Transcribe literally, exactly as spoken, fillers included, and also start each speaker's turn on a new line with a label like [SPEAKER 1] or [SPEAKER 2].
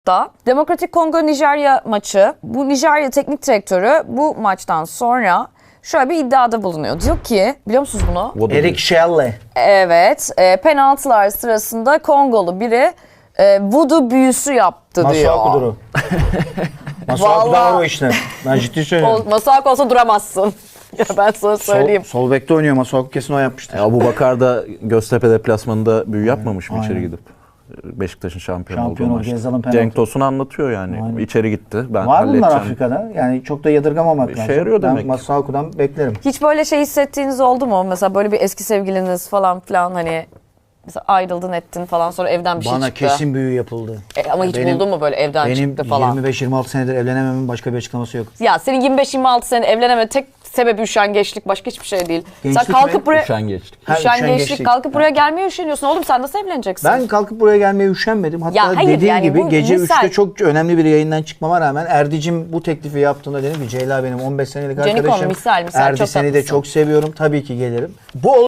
[SPEAKER 1] Da Demokratik Kongo Nijerya maçı. Bu Nijerya teknik direktörü bu maçtan sonra şöyle bir iddiada bulunuyor. Diyor ki, biliyor musunuz bunu?
[SPEAKER 2] Eric Shelley.
[SPEAKER 1] Evet, e, penaltılar sırasında Kongolu biri e, voodoo büyüsü yaptı diyor.
[SPEAKER 2] Masuaku Duru. Masuaku da var o işte. Ben ciddi söylüyorum.
[SPEAKER 1] Masuaku olsa duramazsın. Ya ben sana söyleyeyim.
[SPEAKER 2] Sol, sol bekte oynuyor. Masuaku kesin o yapmıştır.
[SPEAKER 3] E, Abubakar da Göztepe deplasmanında büyü yapmamış mı içeri gidip? Beşiktaş'ın şampiyon,
[SPEAKER 2] Şampiyon
[SPEAKER 3] olduğu
[SPEAKER 2] oldu,
[SPEAKER 3] maçta.
[SPEAKER 2] Gezzal'ın penaltı.
[SPEAKER 3] Cenk Tosun anlatıyor yani.
[SPEAKER 2] Aynen.
[SPEAKER 3] İçeri gitti. Ben
[SPEAKER 2] Var bunlar
[SPEAKER 3] halledeceğim.
[SPEAKER 2] Afrika'da. Yani çok da yadırgamamak
[SPEAKER 3] İşe
[SPEAKER 2] lazım.
[SPEAKER 3] yarıyor
[SPEAKER 2] Ben
[SPEAKER 3] demek.
[SPEAKER 2] Masuaku'dan beklerim.
[SPEAKER 1] Hiç böyle şey hissettiğiniz oldu mu? Mesela böyle bir eski sevgiliniz falan filan hani mesela ayrıldın ettin falan sonra evden bir şey
[SPEAKER 2] Bana
[SPEAKER 1] çıktı.
[SPEAKER 2] kesin büyü yapıldı.
[SPEAKER 1] E, ama hiç
[SPEAKER 2] Benim-
[SPEAKER 1] buldun mu böyle evden
[SPEAKER 2] Benim
[SPEAKER 1] çıktı falan?
[SPEAKER 2] yirmi beş yirmi altı senedir evlenememin başka bir açıklaması yok.
[SPEAKER 1] Ya senin yirmi beş yirmi altı sene evleneme tek sebebi üşengeçlik, başka hiçbir şey değil.
[SPEAKER 2] Gençlik
[SPEAKER 1] sen kalkıp
[SPEAKER 2] mi?
[SPEAKER 1] buraya
[SPEAKER 3] Üşengeçlik.
[SPEAKER 2] Ha,
[SPEAKER 1] üşengeçlik,
[SPEAKER 2] üşengeçlik.
[SPEAKER 1] kalkıp buraya gelmeye üşeniyorsun. Oğlum sen nasıl evleneceksin?
[SPEAKER 2] Ben kalkıp buraya gelmeye üşenmedim. Hatta
[SPEAKER 1] Ya hayır,
[SPEAKER 2] dediğim
[SPEAKER 1] yani
[SPEAKER 2] gibi
[SPEAKER 1] bu
[SPEAKER 2] gece
[SPEAKER 1] misal.
[SPEAKER 2] üçte çok önemli bir yayından çıkmama rağmen Erdicim bu teklifi yaptığında dedim ki Ceyla benim on beş senelik
[SPEAKER 1] Canikom,
[SPEAKER 2] arkadaşım.
[SPEAKER 1] misal, misal,
[SPEAKER 2] Erdi
[SPEAKER 1] çok
[SPEAKER 2] seni de
[SPEAKER 1] tatlısın.
[SPEAKER 2] çok seviyorum. Tabii ki gelirim. Bu